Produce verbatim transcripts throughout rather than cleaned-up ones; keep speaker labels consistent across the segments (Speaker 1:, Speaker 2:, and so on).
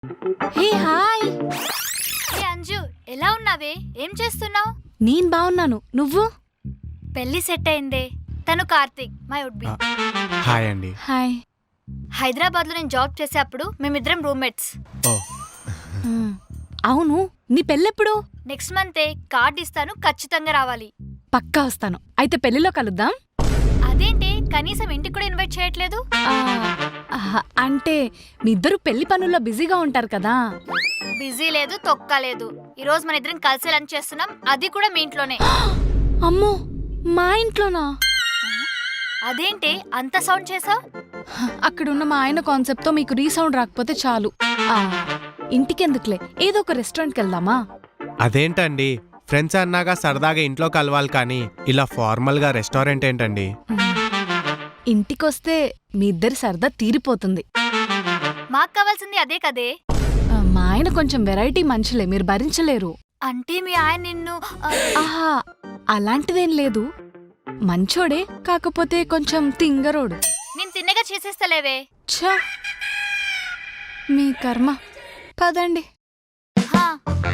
Speaker 1: Hey hi.
Speaker 2: హే అంజు, ఎలా ఉన్నావే? ఏం చేస్తున్నావు?
Speaker 1: నేను బాగున్నాను, నువ్వు?
Speaker 2: పెళ్లి సెట్ అయిందే. తను Karthik, my would be.
Speaker 3: Hi అండి.
Speaker 1: హాయ్.
Speaker 2: హైదరాబాద్ లో నేను జాబ్ చేసేప్పుడు మేమిద్దరం రూమ్మేట్స్.
Speaker 3: ఓ
Speaker 1: అవును, నీ పెళ్ళెప్పుడు?
Speaker 2: నెక్స్ట్ మంతే. కార్డ్ ఇస్తాను, ఖచ్చితంగా రావాలి.
Speaker 1: పక్కా వస్తాను. అయితే పెళ్లిలో కలుద్దాం.
Speaker 2: అదేంటి కనీసం ఇంటికి కూడా ఇన్వైట్ చేయట్లేదు?
Speaker 1: ఆ, ఆహా, అంటే మీ ఇద్దరు పెళ్లి పనుల్లో బిజీగా ఉంటారు కదా.
Speaker 2: బిజీ లేదు, తొక్క లేదు. ఈ రోజు మన ఇద్దరం కలిసి లంచ్ చేస్తున్నాం, అది కూడా మీ ఇంట్లోనే.
Speaker 1: అమ్మో, మా ఇంట్లోనా?
Speaker 2: అదేంటి అంత సౌండ్ చేసావు?
Speaker 1: అక్కడున్న మా ఆయన కాన్సెప్ట్ తో మీకు రీసౌండ్ రాకపోతే చాలు. ఆ, ఇంటికెందుకులే, ఏదో ఒక రెస్టారెంట్కి వెళ్దామా?
Speaker 3: అదేంటండి, ఫ్రెండ్స్ అన్నాగా సరదాగా ఇంట్లో కలవాలి కానీ ఇలా ఫార్మల్ గా రెస్టారెంట్ ఏంటండి?
Speaker 1: ఇంటికొస్తే మీ ఇద్దరి సరదా తీరిపోతుంది.
Speaker 2: మాకు కావాల్సింది అదే కదే.
Speaker 1: ఆ, మా ఆయన కొంచెం వెరైటీ మనుషులే, మీరు భరించలేరు.
Speaker 2: అంటే మీ ఆయన నిన్ను ఆ,
Speaker 1: ఆహా, అలాంటిదేం లేదు. మంచోడే, కాకపోతే కొంచెం తింగరోడు.
Speaker 2: నేను తిన్నగా చేసేస్తలేవే.
Speaker 1: ఛ, మీ కర్మ. పదండి.
Speaker 2: హా.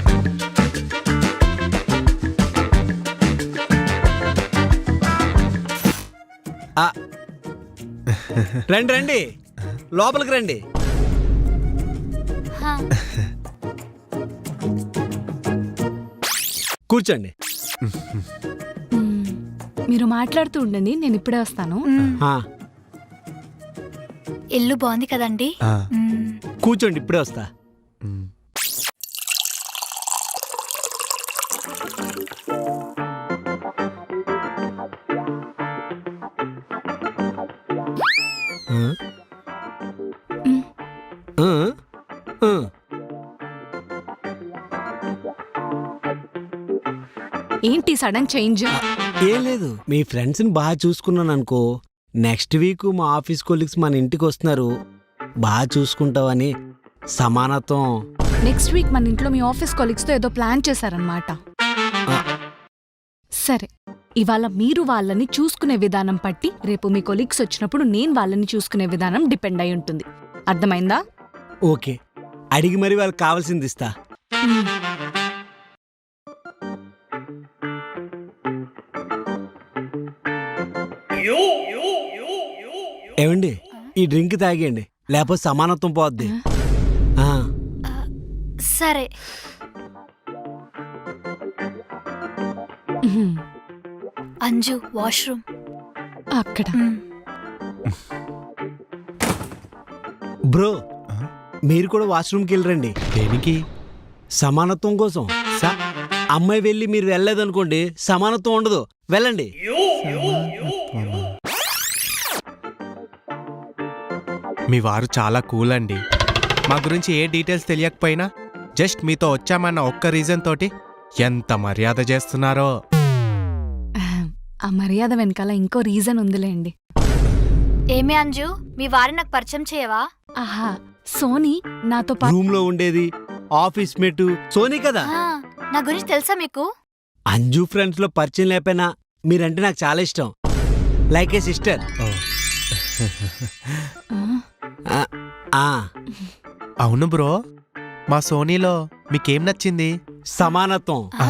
Speaker 4: రండి రండి, లోపలికి రండి.
Speaker 2: హా.
Speaker 4: కూర్చోండి.
Speaker 1: మ్మ్. మీరు మాట్లాడుతూ ఉండండి, నేను ఇప్పుడే వస్తాను.
Speaker 2: మ్మ్.
Speaker 4: ఆ,
Speaker 2: ఇల్లు బాగుంది కదండి.
Speaker 3: ఆ,
Speaker 2: మ్మ్.
Speaker 4: కూర్చోండి, ఇప్పుడే వస్తా.
Speaker 3: మ్.
Speaker 4: ఆ?
Speaker 1: మ్మ్.
Speaker 4: ఆ? ఆ.
Speaker 1: ఏంటి సడన్ చేంజ్?
Speaker 4: ఏం లేదు, మీ ఫ్రెండ్స్ని బాగా చూసుకున్నాను అనుకో. నెక్స్ట్ వీక్ మా ఆఫీస్ కొలీగ్స్ మన ఇంటికి వస్తున్నారు, బాగా చూసుకుంటావని సమానత్వం.
Speaker 1: నెక్స్ట్ వీక్ మన ఇంట్లో మీ ఆఫీస్ కొలీగ్స్ తో ఏదో ప్లాన్ చేశారనమాట.
Speaker 4: ఆ.
Speaker 1: సరే, ఇవాళ మీరు వాళ్ళని చూసుకునే విధానం పట్టి రేపు మీ కొలీగ్స్ వచ్చినప్పుడు నేను వాళ్ళని చూసుకునే విధానం డిపెండ్ అయి ఉంటుంది. అర్థమైందా?
Speaker 4: ఓకే, అడిగి మరి వాళ్ళకి కావాల్సింది ఇస్తా.
Speaker 1: మ్మ్.
Speaker 4: ఏమండి, ఈ డ్రింక్ తాగేయండి, లేకపోతే సమానత్వం పోద్ది. ఆ.
Speaker 2: ఆ, సరే.
Speaker 1: మ్మ్.
Speaker 2: అంజు, వాష్రూమ్.
Speaker 1: అక్కడ.
Speaker 2: మ్మ్.
Speaker 4: బ్రో,
Speaker 3: ఆ?
Speaker 4: మీరు కూడా వాష్రూమ్కి వెళ్ళరండి,
Speaker 3: దేనికి?
Speaker 4: సమానత్వం కోసం.
Speaker 3: స-
Speaker 4: అమ్మాయి వెళ్ళి మీరు వెళ్ళలేదనుకోండి, సమానత్వం ఉండదు. వెళ్ళండి.
Speaker 3: సమానత్వమా? మీ వారు చాలా కూల్ అండి. మా గురించి ఏ డీటెయిల్స్ తెలియకపోయినా జస్ట్ మీతో వచ్చామన్న ఒక్క రీజన్ తోటి ఎంత మర్యాద చేస్తున్నారో.
Speaker 1: ఆ మర్యాద వెనకాల ఇంకో రీజన్ ఉందిలేండి.
Speaker 2: ఏమి అంజు, మీ వారిని నాకు పరిచయం చేయవా?
Speaker 1: ఆహా, సోనీ నాతో పాటు.
Speaker 4: రూమ్ లో ఉండేది ఆఫీస్ మేట్ సోనీ కదా.
Speaker 2: ఆ, నా గురించి తెలుసా మీకు?
Speaker 4: అంజు ఫ్రెండ్స్ లో పరిచయం లేకపోయినా మీరంటే నాకు చాలా ఇష్టం, లైక్ ఏ సిస్టర్.
Speaker 3: ఓ.
Speaker 1: ఆ,
Speaker 3: అవును బ్రో, మా సోనీలో మీకేం నచ్చింది?
Speaker 4: సమానత్వం.
Speaker 3: ఆ?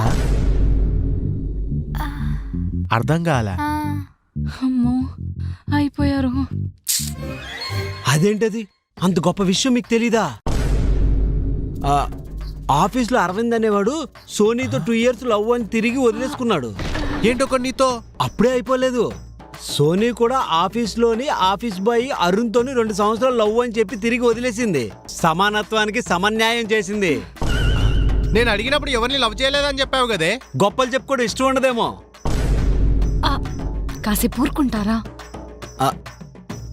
Speaker 2: ఆ,
Speaker 3: అర్థం కాల.
Speaker 2: ఆ.
Speaker 1: అమ్మో, అయిపోయారు.
Speaker 4: అదేంటది, అంత గొప్ప విషయం మీకు తెలీదా? ఆ, ఆఫీస్లో అరవింద్ అనేవాడు సోనీతో టూ ఇయర్స్ లవ్ అని తిరిగి వదిలేసుకున్నాడు.
Speaker 3: ఏంటొక నీతో?
Speaker 4: అప్పుడే అయిపోలేదు, సోనీ కూడా ఆఫీస్లోని ఆఫీస్ బాయ్ అరుణ్తోని రెండు సంవత్సరాలు లవ్ అని చెప్పి తిరిగి వదిలేసింది. సమానత్వానికి సమన్యాయం చేసింది.
Speaker 3: నేను అడిగినప్పుడు ఎవరిని లవ్ చేయలేదని చెప్పావు కదే.
Speaker 4: గొప్పలు చెప్పుకోవడం ఇష్టం ఉండదేమో.
Speaker 1: ఆ, కాసేపు ఊరుకుంటారా?
Speaker 4: ఆ,